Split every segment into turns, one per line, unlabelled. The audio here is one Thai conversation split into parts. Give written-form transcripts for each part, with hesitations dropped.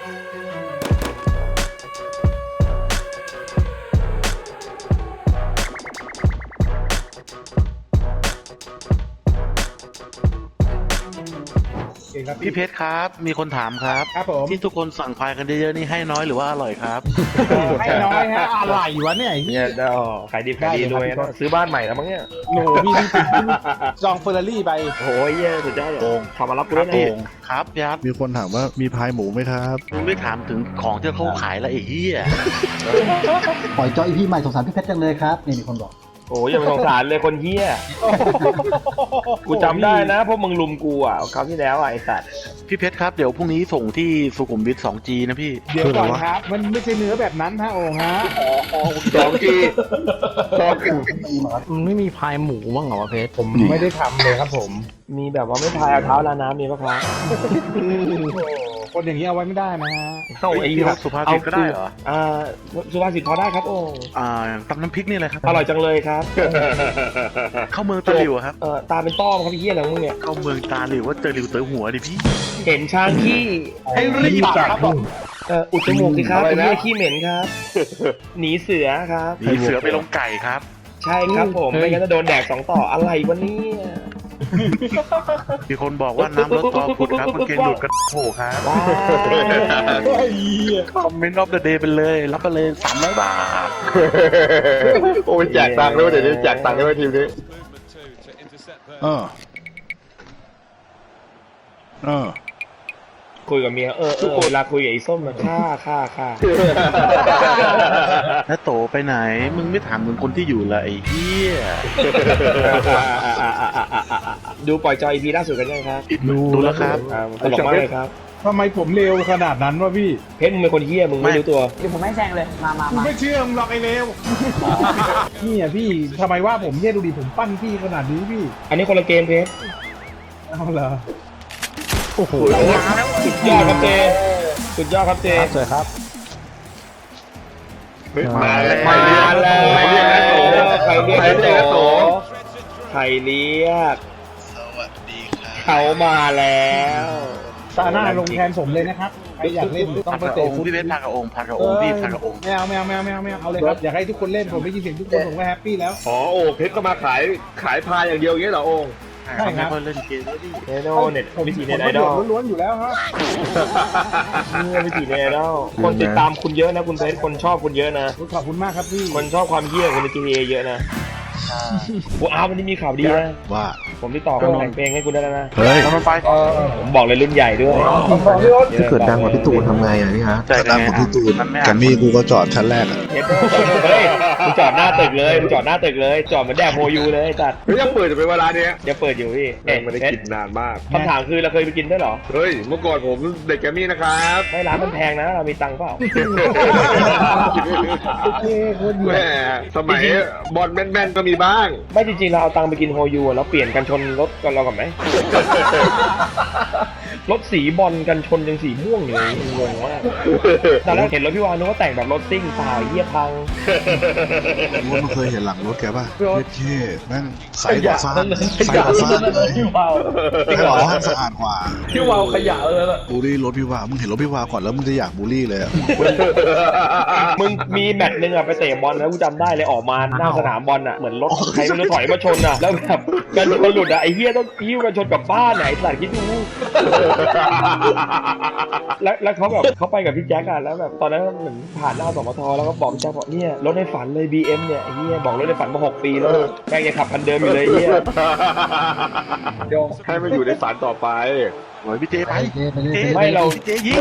พี่เพชรครับมีคนถามครับผมที่ทุกคนสั่งพายกันเยอะๆนี่ให้น้อยหรือว่าอร่อยครับ
ให้น้อยฮะอะไรวะเนี่ย
เนี่ยเดาขายดีขายดีรวยนะซื้อบ้านใหม่แล้วมั้งเนี่ย
โหพี่จองเฟอร์รารี่ไป
โอ้ยเยอะสุดยอดเลยทำมารับกูด้วยนะ
ครับยัด
มีคนถามว่ามีพายหมูไหมครับ
มึงไม่ถามถึงของที่เขาขายแล้วไอ้เหี้ย
ปล่อยจอยพี่ใหม่สงสารพี่เพชรจังเลยครับนี่มีคนบอก
โอ้ยอย่าไปสงสารเลยคนเฮี้ยกูจำได้นะเพราะมึงลุมกูอ่ะคราวที่แล้วไอ้สัตว์
พี่เพชรครับเดี๋ยวพรุ่งนี้ส่งที่สุขุมวิท 2G นะพี่
เดี๋ยวก่อนครับมันไม่ใช่เนื้อแบบนั้นฮะโอ่งฮะ
2G
มันไม่มีพายหมูบ้างเหรอวะเพชร
ผมไม่ได้ทำเลยครับผม
มีแบบว่าไม่พายเอาเท้าลาน้ำมีปะครับ
คนอย่างนี้เอาไว้ไม่ได้นะฮะ
เข้าไอ้
สุภาษิตก็ได้เหรอ
สุภาษิตพอได้ครับโอ้
ตำน้ำพริกนี่แหละครับ
อร่อยจังเลยครับ
เข้าเมืองตาหลิวครับ
ตาเป็นต้อมครับพี่เฮี้ยอะไรมึงเนี่ย
เข้าเมืองตาหลิวว่าเจอหลิวเต๋อหัวดิพี่
เห็นช้างขี้
ให้รีบครับผม
อุดจมูกสิครับเป็นเฮี้ยขี้เหม็นครับหนีเสือครับ
หนีเสือไปลงไก่ครับ
ใช่ครับผมไม่งั้นจะโดนแดก2ต่ออะไรวะเนี่ย
มีคนบอกว่าน้ำรถต่อขุดครับมันเกณฑ์หลุดกระโผครับคอมเมนต์รอบเดอะเดย์ไปเลยรับไปเลย300 บาท
โอ้ยแจกตังค์ด้วยเดี๋ยวนี้แจกตังค์ด้วยทีมนี้คุยกับเมียเวลาคุยกับไอ้ส้มนะค่า
แล้วโตไปไหนมึงไม่ถามถึงคนที่อยู่ละไอ้เหี้ย
ดูปล่อยจอย EP ล่าสุดกันยังครับ
ดูแล้วครับ
ตลกมากเลยครับ
ทำไมผมเร็วขนาดนั้นวะพี่
เพชรมึงเป็นคนเหี้ยมึงไม่รู้ตัว
เดี๋ยวผมไม่แซงเลยมา
ไม่เชื่อมึงหรอกไอ้เร็วนี่อ่ะพี่ทำไมว่าผมเนี่ยดูดิผมปั้นพี่ขนาดนี้พี่
อันนี้คนละเกมเพชร
เอาเหรอ
โอ้โหสุดยอดครับเจสุดยอดครับเจ
สวยครับ
มาแล้วใครเรียกโตใครเรียก
สวัสดีครับ
เขามาแล้ว
ตาหน้าลงแทนผมเลยนะครับใครอยากเล่นต้องไปเตะ
พี่เพชรพากระองค์พี่พากระองค์
ไม่เอาเอาเลยครับอยากให้ทุกคนเล่นผมไม่ยินเสียงทุกคนผมก็แฮปปี้แล้ว
โอ้เพชรก็มาขายพายอย่างเดียวอย่างเงี้ยเหรอโอ่ง
ใช่ครับเล่นเกมแล้วดิ
เน็ตวิธีเน็ตไอดอล
ล้วนๆอยู่แล้วครับ
วิธีเน็ตไอดอลคนติดตามคุณเยอะนะคุณเพชรคนชอบคุณเยอะนะ
ขอบคุณมากครับพี่
คนชอบความเหี้ยคนใน GTA เยอะนะวันนี้มีข่าวดีนะ
ว่า
ผมติดต่อคนแต่งเพลงให้คุณได้แล้วนะ
เฮ้ย
มันไป
ผมบอกเลยรุ่นใหญ่ด้วย
ถ้าเกิดดังกว่าพี่ตูนทำไงอ่ะพี่ฮะ
ดังกว่าพี่ตูนแกมมี่กูก็จอดชั้นแรกอ่ะ
เฮ้ยมึงจอดหน้าตึกเลยจอดเหมือนแดกโมยูเลยจัด
ไม่ยังเปิดอยู่เป็นเวลาเนี้ย
ยังเปิดอยู่พี่
ไม่ได้กินนานมาก
คำถามคือเราเคยไปกินด้วยเหรอ
เฮ้ยเมื่อก่อนผมเด็กแกมมี่นะครับ
ไม่ร้านมันแพงนะเรามีตังค์เปล่า
แม่สมัยบอลแม่นๆก็มีบ้าง
ไม่จริงๆเราเอาตังค์ไปกินโฮยูแล้วเปลี่ยนกันชนรถกันเราก่อนไหมรถสีบอลกันชนยังสีม่วงอยู่เลยงงมากตอนแรกเห็นรถพี่วานนึกว่าแต่งแบบรถซิ่งเปล่าเหี้ยพัง
มึงเคยเห็นหลังรถแกป่ะเท่แม่งใสกว่าฟ้าเลยพี่วาวฟ้าสะอาดกว่า
พี่วาวขยะเลยล่ะ
บูลลี่รถพี่วาวมึงเห็นรถพี่วาวก่อนแล้วมึงจะอยากบูลลี่เลย
มึงมีแมตช์นึงอะไปเตะบอลแล้วกูจำได้เลยออกมาหน้าสนามบอลอะเหมือนรถใครไม่รู้ถอยมาชนอะแล้วแบบกันชนหลุดอะไอ้เหี้ยต้องยิ้วกันชนกับบ้านไหนสัตว์คิดดูแล้วเขาแบบเขาไปกับพี่แจ็คอะแล้วแบบตอนนั้นเหมือนผ่านหน้าสมทแล้วก็บอกพี่แจ็คบอกเนี่ยรถในฝันเลย BM เนี่ยไอ้เหี้ยบอกรถในฝันมา6 ปีแล้วแม่งยังขับคันเดิมอยู่เลยเหี้ย
ให้มันอยู่ในฝันต่อไป
โอ้ยพี่เจไป
ไม่เรา
พี่เจยิง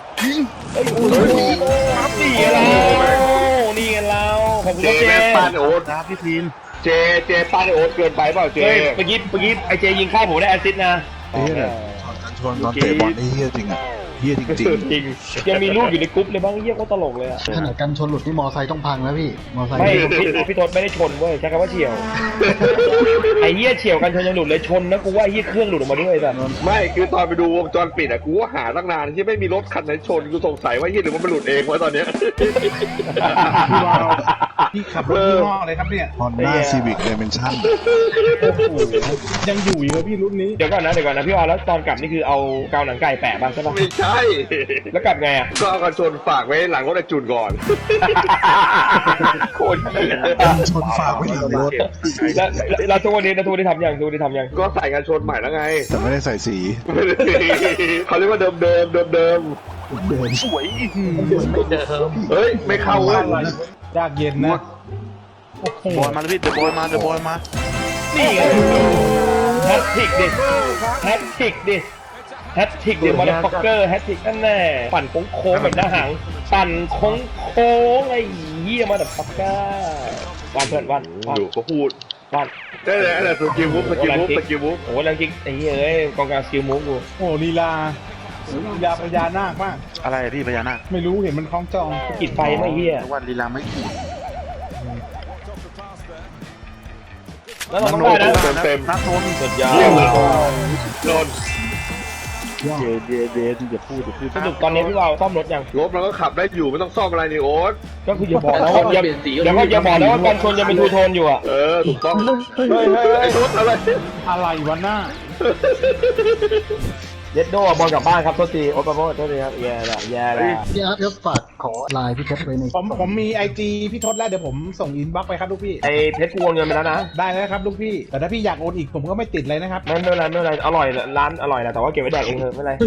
ครับนี่ไงเราขอบคุณเจ
ปานโอ๊ต
ครับพี่ทีม
เจปานโอ๊ตเกินไปเปล่าเจ
เมื่อกี้ไอเจยิงเข้าผมได้แอสซิสต์นะ
ชนตอนเตะบอลนี่เฮี้ยจริงอ่ะเฮี้ยจริง
ยังมีรูปอยู่ในกรุ๊ปเลยบ้างเฮี้ยก็ตลกเลยอ่ะ
ขนาดกันชนหลุดที่มอไซค์ต้องพังแล้วพี่มอไซค์
ไม่พี่ทศไม่ได้ชนเว้ยใช้คำว่าเฉี่ยวไอ้เฮี้ยเฉี่ยวกันชนยังหลุดเลยชนนะกูว่าเฮี้ยเครื่องหลุดออกมาด้วยแต่
ไม่คือตอนไปดูวงจรปิดอ่ะกูก็หาตั้งนานที่ไม่มีรถคันไหนชนกูสงสัยว่าเฮี้ยหรือว่ามันหลุดเองวะตอนเนี้ย
พี่ขับรถยี่ห้ออะไรครับเนี่ย
Honda Civic Dimension
โอ้โหยังอยู่อีกเลยพี่รุ่นนี้
เดี๋ยวก่อนนะพี่วาแล้วตอนกลับนี่คือเอากาวหนังไก่แปะบ้างใช่ปะ
ไม่ใช่
แล้วกลับไงอ่ะ
ก็เอากันชนฝากไว้หลังรถไอ้จุนก่อน
โคตรเหี้ย
ชนฝากไว้หลังรถ
แล้วทุกวันนี้ทำยัง
ก็ใส่กันชนใหม่แล้วไง
แต่ไม่ได้ใส่สี
เขาเรียกว่าเดิม
สวย
เฮ้ย ไม่เข้าเว้ย
ยากเย็นนะโอ้โห
บอยมาเลยพี่เดอะบอยมาเดอะบอยมา
นี่ไงแฮตทริกดิแฮตทริกดิมอเตอร์ฟักเกอร์แฮตทริกนั่นแน่ปั่นโค้งแบบหน้าหางปั่นโค้งไอ้เหี้ยมอเตอร์ฟักเกอร์วันเพื่อนวัน
ดูเขาพูด
วัน
ได้เลยอะไรสกิลบุ๊ก
โอ้โหแรงจริงไอ้เหี้ยเอ้ยกองกลางสกิลมูฟกู
โอ้โหลีลาพญานาคมาก
อะไรพี่พญานาค
ไม่รู้เห็นมันคล้องจอง
กิดไฟไม่เหี้ย
วันลีลาไม่ขีด
แล้วเราต้องได้นะ
เต็ม
นัดโทน
สุดยอด
โดน
เดอย่าพูด
สรุปตอนนี้พี่วาวซ่อมรถยัง
รถมันก็ขับได้อยู่ไม่ต้องซ่อมอะไรนี่โอ๊ต
ก็คืออย่าบอกนะว่าอย่าบอกนะว่าการชนจะเป็นทูโทนอยู่อ่ะ
ถูกต้อง
เฮ้ย
ไอ้รถอะไร
อะไรวะหน้า
เย็ดโดบอลกลับบ้านครับโทษทีโอ๊ตปาโมโทษทีครับแย่ละ
พี่อาร์ตครับฝากขอไลน์พี่เพชรไว้ใน
ผมมีไอจีพี่ทศแล้วเดี๋ยวผมส่งอินบ็อกซ์ไปครับลูกพี่
ไอ้เพชรกูโอนเงินไปแล้วนะ
ได้แล้วครับลูกพี่ แต่ถ้าพี่อยากโอนอีกผมก็ไม่ติดเลยนะครับ
ไม่เป็นไรอร่อยร้านอร่อยนะแต่ว่าเก็บไว้แดกเองเถอะไม่เป็นไร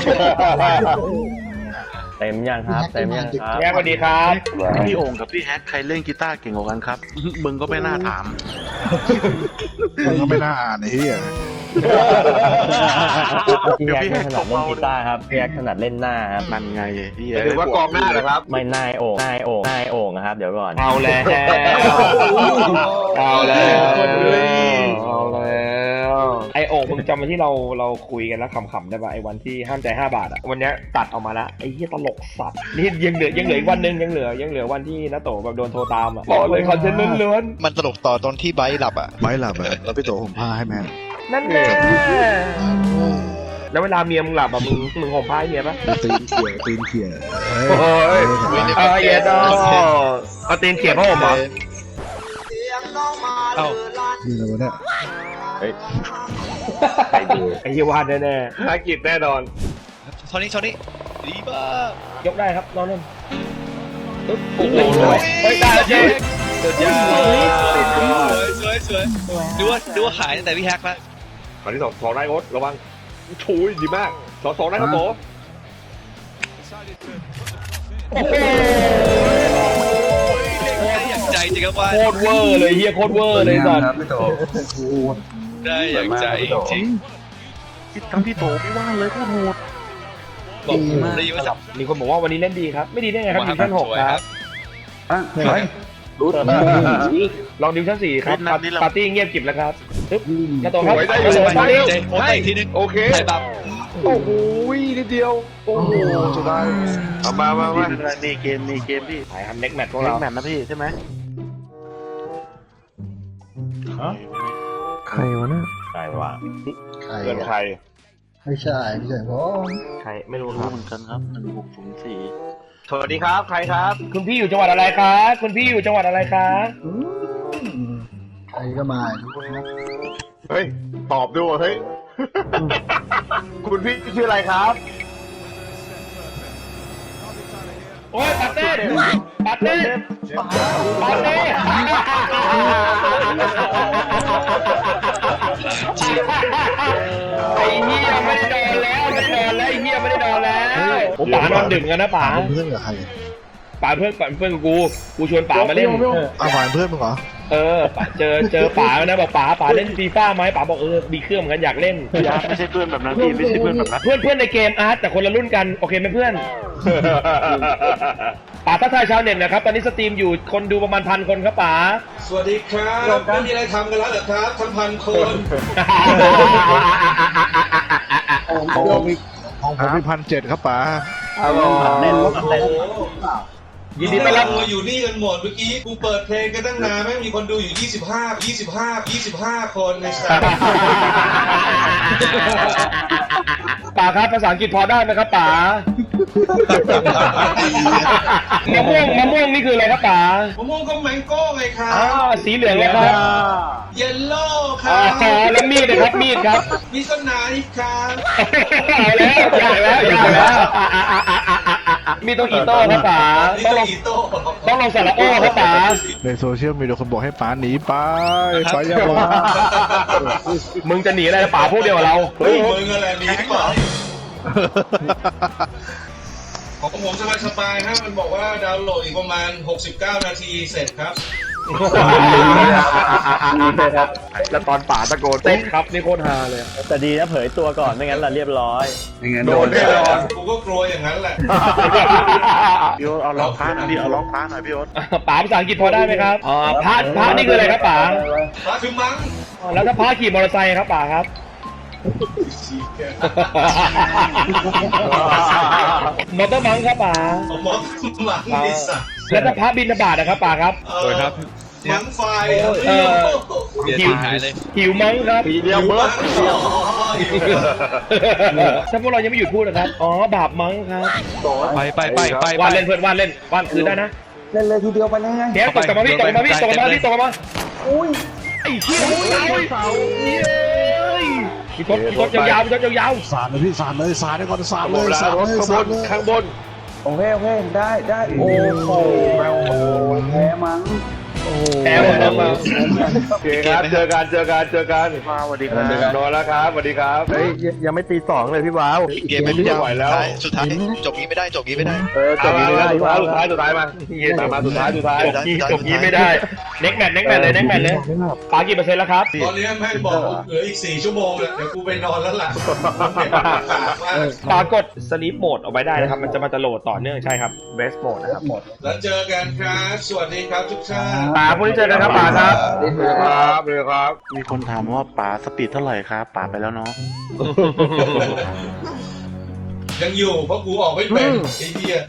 เต็มยังครับเต็มยังครับ
แย่สวัสดีครับ
พี่โอ่งกับพี่แฮกใครเล่นกีตาร์เก่งกว่ากันครับ มึงก็ไม่น่าถาม
มันก็ไม่น่าอ่านไอ้เหี้ย
พี่แฮกไม่ถนัดเล่นกีตาร์ครับพี่แฮกถนัดเล่นหน้าครับ
นั่นไงพี่
ถือว่ากองหน้านะครับ
ไม่หน้าโอ่งนะครับเดี๋ยวก่อน
เอาแล้วไอโอ่งมึงจำวันที่เราคุยกันแล้วขำๆได้ป่ะไอวันที่ห้ามใจ5 บาทอ่ะวันนี้ตัดออกมาแล้วไอ้เหี้ยตลกสัตว์นี่ยังเหลืออีกวันนึงยังเหลือวันที่น้าโตแบบโดนโทรตามอ่ะบอกเลยคอนเทนต์ล้วน
มันตลกต่อตอนที่ไบร์ทหลับอ่ะ
ไว้หลับอะแล้วพี่โตห่มผ้าให้แม่
ๆนั่นแน่แล้วเวลาเมียมึงหลับอ่ะมึงห่มผ้าให้เมียป่ะ
ตีนเขี่ย
โอ้ยเย็ดดอเอาตีนเขียบผ้าห่มเหรอ
เอ้า
นี่อะไรวะเนี่ย
ไอ้เหี้ยวาดแน่
ภารกิจแน่นอน
โทนี่ดีมาก
ๆยกได้ครับลองเล่นปึ๊บโอ้โหเฮ้ยได้แล้วเจ๊สุดยอด
สวยดูว่าหายตั้งแต่พี่แฮกแล้ว
คราวที่สองได้โอ๊ตระวังชูยดีมากสองได้ครับโต
ได้อย่างใจจริงครับว่า
โคตรเวอร์เลยเฮียโคตรเวอร์เลยสัตว์
ได้อย่างใจจริง
ทั้งพี่โตพี่ว่างเลยโคตรโหด
บอกดีมาก
มีคนบอกว่าวันนี้เล่นดีครับไม่ดีได้ไงครับดิวิชั่น6ครับลองดิวิชั่น4ครับปาร์ตี้เงียบกริบแล้วครับปึ๊บกระโดดครับ
สบายใจโพสต์อีกทีนึง
โอเค
ถ่ายแบบ
โอ้โหนิดเดียวโอ้โหสุดท้ายเอามา
มีเกมพี่
ถ่ายทำเน็กแมทพวก
เล่
เรา
นแมตช์นะพี่ใช่ไหม
ใครวะน่ะ
ใคร
เกินใคร
ไม่ใช่ผม
ใครไม่รู้ค
รู้
รับ
เหมือนกันครับ1604
สวัสดีครับใครครับ
คุณพี่อยู่จังหวัดอะไรครับคุณพี่อยู่จังหวัดอะไรครับ
ใครก็มาทุกคนนะ
เฮ้ยตอบด้วยเฮ้ยคุณพี่ชื่ออะไรครับ
โอ้ยปาร์ตี้ไอ้เหี้ยไม่ได้นอนแล้วไอ้เหี้ยไม่ได้นอนแล้วผมป๋านอนดึกกันนะป๋า
เพื่อนกับใคร
ป๋าเพื่อนกูชวนป๋ามาเล่น
อ้าวหวานเพื่อนมึงเหรอ
ป๋าเจอป๋านะบอกป๋าเล่นฟีฟ่าไหมป๋าบอกมีเครื่องเหมือนกันอยากเล่น
ยาไม่ใช่เพื่อนแบบนั้นพี่ไม่ใช่เพื่อนแบบนั้น
เพื่อนในเกมอาร์ตแต่คนละรุ่นกันโอเคไหมเพื่อนป๋าทักทายชาวเน็ตนะครับตอนนี้สตรีมอยู่คนดูประมาณ1,000 คนครับป๋า
สวัสดีครับไม่มีอะไรทำกันแล้วเหรอครับทั้ง1,000 คน
ของผมมี1,700ครับป๋า
เล่นรถเล่น
ยินดีต้อนรับ
เราอยู่นี่กันหมดเมื่อกี้กูเปิดเพลงกันตั้งนานไม่มีคนดูอยู่25 คนในสถาน
ป๋าครับภาษาอังกฤษพอได้ไหมครับป๋ามะม่วงนี่คืออะไรครับป๋าม
ะม่วงก็แมงโก้ไงครับ
สีเหลืองเลยครับ
เยลโล่ค
อ๋
รั
อบ แล้วมีดนะครับมีดครับ
มีต้นนาอีกครับ
เอาแล้วอยากแล้วมีต้องอีโต้ครับป๋า
นี่
ต้อง
ก็
ลง
อีโต้
ต้องลงสระโอ้ครับป๋า
ในโซเชียลมีแต่คนบอกให้ป๋าหนีไปไปอย่ามา
มึงจะหนีอะไรนะป๋าพวกเดียวกับเรา
เฮ้ยมึงอะไรนี้เปล่าของผมสบายๆครับมันบอกว่าดาวน์โหลดอีกประมาณ69 นาทีเสร็จครับ
แล้วตอนป๋าตะโกนเต้นครับนี่โคตรฮาเลย
แต่ดีนะเผยตัวก่อนไม่งั้นเราเรียบร้อย
โดนแน่นอน
กูก็กลัวอย่างนั้นแหละ
พี่โอ๊ตเอาล็อกพาหน่อยพี่เอาล็อกพาหน่อยพี่โอ๊ต
ป๋าภาษาอังกฤษพอได้ไหมครับพระนี่คืออะไรครับป๋า
มาคือมั้ง
แล้วถ้าพระขี่มอเตอร์ไซค์ครับป๋าครับมอเตอร์มังครับป๋า
ผมมองมังดิสัตว์
แล้วถ้าพระบินบาตนะครับป๋าครับ
สวยครับ
มังไฟ
เบียร์
หิว
หายเลย
หิวมังครับ
เดียวเบิร์ด
ถ้าพวกเรายังไม่หยุดพูดนะครับบาปมังครับ
ไป
วานเล่นเพื่อนวานเล่นวานคืนได้นะ
เล่นเลยทีเดียวไปเลยไง
เดี๋ยวตกมาพี่ตกมาอุ้ยไอ้เหี้ยพี่ทศยาว
สาดเลยพี่สาดเลยสาดได้ก่อนสาดเลยสาดเลยสาดเลย
ข้างบน
โอเคได้โอ้โหแพ้มั้ง
แอบมา
โอเคครับเจอกัน
มาสวัสดีครับ
นอนแล้วครับสวัสดีครับ
เฮ้ยยังไม่ตีสองเลยพี่ว้าว
เกมไม่รู้
ไหวแล้ว
สุดท้ายจบนี้ไม่ได้จบนี้ไม่ได้
จบนี้ไม่ได้สุดท้ายมาสุดท้าย
จบนี้ไม่ได้เน็กแมทเลยปากี่เปอร์เซ็นต์แล้วครับ
ตอนนี้แม่งบอกเหลืออีก4 ชั่วโมงเลยเดี๋ยวกูไปนอนแล้วล่ะ
ปรากฏสลีปโหมดเอาไว้ได้นะครับ มันจะโหลดต่อเนื่องใช่ครับเบสโหมดนะครับ
แล้วเจอกันครับสวัสดีครับทุกท่าน
ป๋าพรุ่งนี้เจอกันครับป๋าครับ
ครับ
มีคนถามว่าป๋าสปีดเท่าไหร่ครับป๋าไปแล้วเนาะ
ยังอยู่เพราะกูออกไม่เป็นไอ้เหี้ย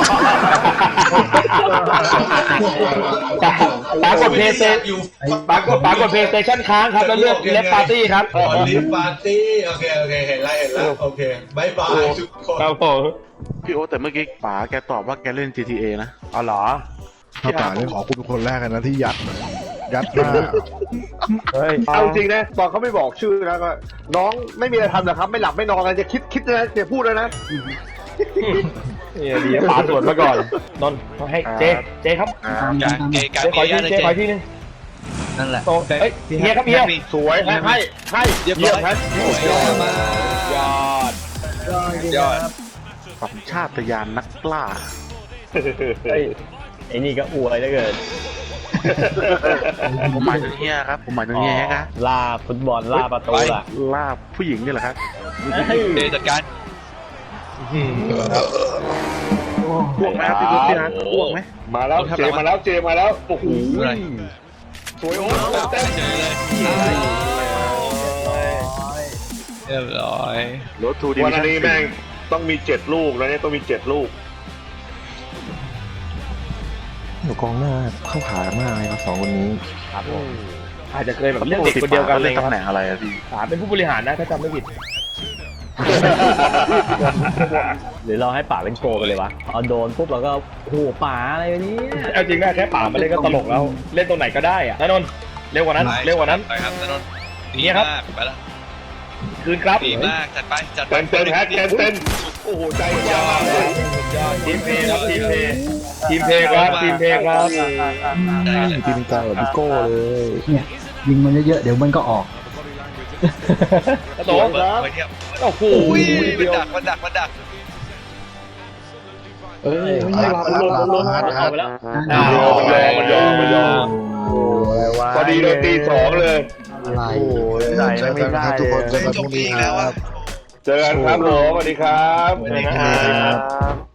ป๋ากดเพย์สเตชัน
อยู่
ป๋ากดเพย์สเตชันค้างครับแล้วเลือกเลฟปาร์ตี้ครับ
ลิฟปาร์ตี้โอเคเห็นแล้วโอเคบายบายทุกคน
ครับผม
พี่โอ๊ตแต่เมื่อกี้ป๋าแกตอบว่าแกเล่น GTA นะ
อ๋อเหรอ
ถ้าป๋าเนี่ยขอคุณเป็นคนแรกกันนะที่ยัดหน้า
เฮ้ย
เอาจริงนะตอนเขาไม่บอกชื่อนะก็น้องไม่มีอะไรทำหรอกครับไม่หลับไม่นอนกันจะคิดนะจะพูดแล้วนะ
ดีป๋าสวนมาก่อนนนท์ให้เจครับ
เกย์การ
ขอ
เกย์
ที่ขอที่นึง
นั่นแหละ
โตเฮ้ยเฮียครับเฮีย
สวยให้
เรียบ
เยี่
ร้
ย
อ
ม
ย
ครับ
ยอด
สัญชาตญาณนักล่า
ไอ้นี่ก็อวยเหลือเกิน
ผมหมายถึงเฮียครับผมหมายถึงเฮียครับ
ล่าฟุตบอลล่าประตูล่ะ
ล่าผู้หญิงนี่แหละครับ
เดจัดการ
พวกไหมครับพี่ตุ๊กพี่นะพวกไหม
มาแล้วเจมาแล้วโอ้โหสวยโอ้เต้น
เจอเลยเรียบร้อย
รถทูดิ
วันนี้แม่งต้องมี7 ลูกแล้วเนี่ยต้องมี7 ลูก
อยู่กองหน้าเข้าขามากเลยครับสองคนนี้
ครับผมอาจจะเคยแบบเล่นเด็กคนเดียวกันเลย
เล่น
ครับ
ตำแหน่งอะไรอะพี่
ป๋าเป็นผู้บริหารนะถ้าจำไม่ผิด
หรือเราให้ป่าเป็นโกไปเลยวะเอาโดนปุ๊บเราก็โอ้โหป่าอะไรวะเนี่ย
เอาจริงนะแค่ป๋ามาเล่นก็ตลกแล้วเล่นตรงไหนก็ได้อะนนท์เร็วกว่านั้น
ไปครับถนน
นี่ครับ
ไปแล้ว
คืนครับ
ดีมากจัดไป
เต้นแฮกเต้นโอ้โหใจยอด
ทีมเพย์ครับทีมเพย์ครับ
ทีมกลางแบบบิโก้เลย
เนี่ยยิงมันเยอะๆเดี๋ยวมันก็ออก
กระโดด
ไปเที่ยว
โอ้โห
มันดัก
เอาไปแล้ว
มันยอมพอดีเลยตี 2เลย
อะไร
ใส่ไม่ได้
ทุกคนเจอกัน
จ
พ
บ
รุ่ง
อี
นี้
ก
ค
แล้ว
รั
อ่ะ
บ
เจอกันครับผมสวัสดีครับ
สวัสดีครับ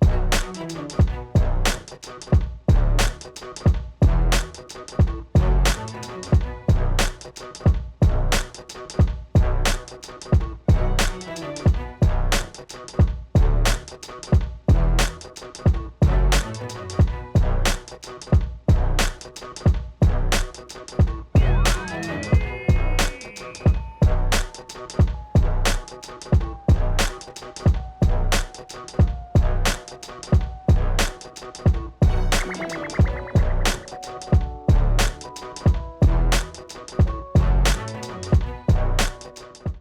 ๆ